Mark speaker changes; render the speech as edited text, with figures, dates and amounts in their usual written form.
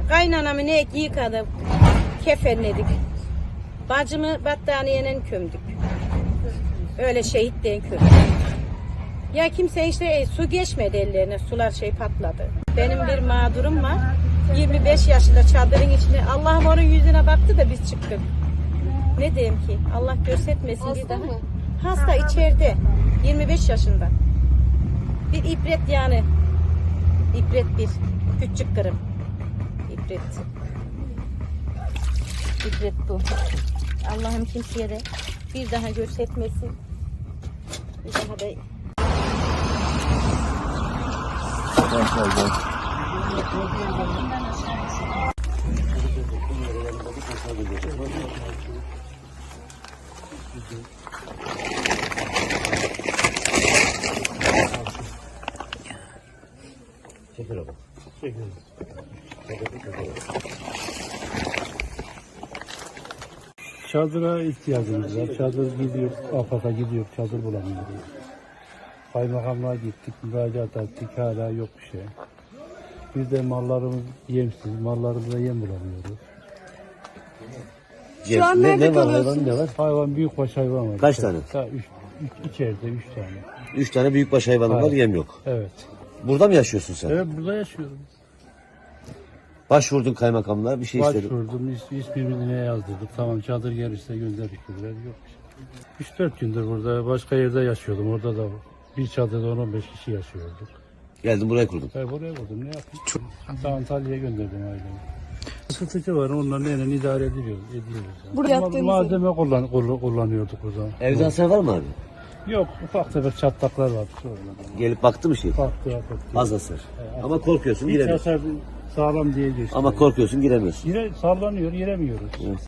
Speaker 1: Kaynanamı ne yıkadık, kefenledik. Bacımı battaniyeyle gömdük. Öyle şehit diye gömdük. Ya kimse işte su geçmedi ellerine, sular patladı. Benim bir mağdurum var. 25 yaşında çadırın içinde. Allah'ım onun yüzüne baktı da biz çıktık. Ne diyeyim ki? Allah göstermesin
Speaker 2: Hasta
Speaker 1: bir daha.
Speaker 2: mı?
Speaker 1: Hasta içeride. 25 yaşında. Bir ibret yani. İbret bir. Küçük kırım. İbret. İbret bu. Allah'ım kimseye de bir daha göstermesin. Bir daha da
Speaker 3: Çekil oğlum. Çekil.
Speaker 4: Çadıra ihtiyacımız var. Çadır gidiyor, AFAD'a gidiyor, çadır bulamıyoruz. Kaymakamlığa gittik, müracaat ettik, hala yok bir şey. Biz de mallarımız yemsiz, mallarımıza yem bulamıyoruz.
Speaker 2: Şu an nerede
Speaker 3: ne var
Speaker 2: kalıyorsunuz?
Speaker 3: hayvan, ne var?
Speaker 4: Hayvan, büyükbaş hayvan var.
Speaker 3: Kaç tane?
Speaker 4: İçeride 3 tane.
Speaker 3: 3 tane büyükbaş hayvanım var,
Speaker 4: Hayır.
Speaker 3: yem yok.
Speaker 4: Evet.
Speaker 3: Burada mı yaşıyorsun sen?
Speaker 4: Evet, burada yaşıyorum.
Speaker 3: Başvurdun kaymakamlığa, bir şey istedin.
Speaker 4: Başvurdum, ismimizi yazdırdık. Tamam, çadır gelirse gönderdik dediler. Yok bir şey. 3-4 gündür burada, başka yerde yaşıyordum. Orada da bir çadırda 10-15 kişi yaşıyorduk.
Speaker 3: Geldin buraya kurdun.
Speaker 4: Ben buraya vurdum, ne yapayım? Daha Antalya'ya gönderdim ailemi. Sıkıntı var, onların eliyle idare ediyoruz. Yani.
Speaker 2: Burada yattığınız
Speaker 4: Malzeme kullanıyorduk burada.
Speaker 3: Evde hasar var mı abi?
Speaker 4: Yok, ufak tefek çatlaklar var.
Speaker 3: Gelip baktı mı şey?
Speaker 4: Farklı.
Speaker 3: Az hasar. Ama korkuyorsun,
Speaker 4: Hiç
Speaker 3: giremiyorsun.
Speaker 4: hasar sağlam diye geçti.
Speaker 3: Ama korkuyorsun, giremiyorsun.
Speaker 4: Sallanıyor, giremiyoruz.
Speaker 3: Evet.